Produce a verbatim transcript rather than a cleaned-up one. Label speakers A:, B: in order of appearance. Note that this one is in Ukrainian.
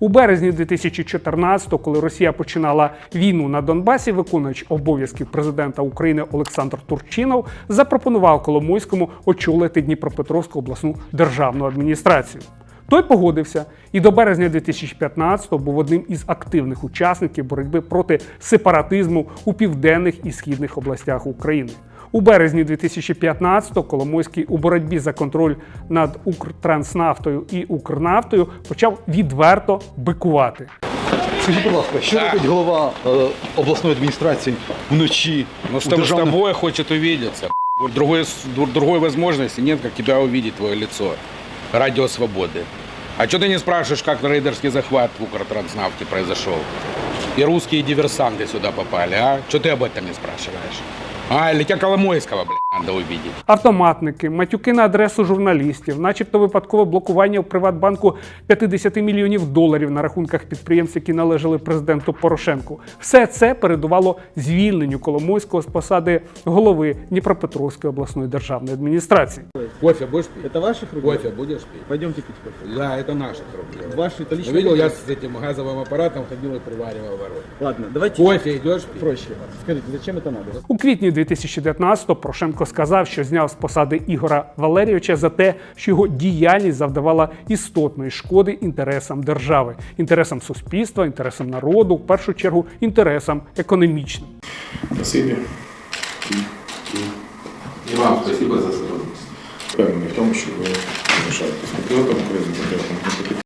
A: У березні дві тисячі чотирнадцятого, коли Росія починала війну на Донбасі, виконувач обов'язків президента України Олександр Турчинов запропонував Коломойському очолити Дніпропетровську обласну державну адміністрацію. Той погодився і до березня дві тисячі п'ятнадцятого був одним із активних учасників боротьби проти сепаратизму у південних і східних областях України. У березні дві тисячі п'ятнадцятого Коломойський у боротьбі за контроль над Укртранснафтою і Укрнафтою почав відверто бикувати.
B: Скажіть, будь ласка, що робить голова е, обласної адміністрації вночі?
C: Ну, с, тобой, державном... с тобой хочет увидеться. Другой, другой возможности нет, как тебя увидеть, твое лицо. Радио Свободы. А что ты не спрашиваешь, как рейдерский захват в Укртранснафте произошел? И русские диверсанты сюда попали, а? Что ты об этом не спрашиваешь? А, или тебя Коломойського, блядь, надо увидеть.
A: Автоматники, матюки на адресу журналістів, начебто випадкове блокування в Приватбанку п'ятдесят мільйонів доларів на рахунках підприємств, які належали президенту Порошенку. Все це передувало звільненню Коломойського з посади голови Дніпропетровської обласної державної адміністрації.
C: Кофе будешь пить?
B: Это ваших рук?
C: Кофе будешь пить?
B: Пойдемте пить кофе.
C: Да, это наших рук.
B: Ваши, это лично.
C: Видел, я с этим газовым аппаратом ходил и приваривал ворот.
B: Ладно, давайте.
C: Кофе идешь пить?
B: Проще. Скажите, зачем это надо?
A: У квітні дві тисячі дев'ятнадцятого Порошенко сказав, що зняв з посади Ігора Валерійовича за те, що його діяльність завдавала істотної шкоди інтересам держави, інтересам суспільства, інтересам народу, в першу чергу інтересам економічним.
D: Спасибі.
E: І вам спасибо за сотрудничество.
D: Впевнений в тому, що ви залишаєтесь патріотом, українським патріотом.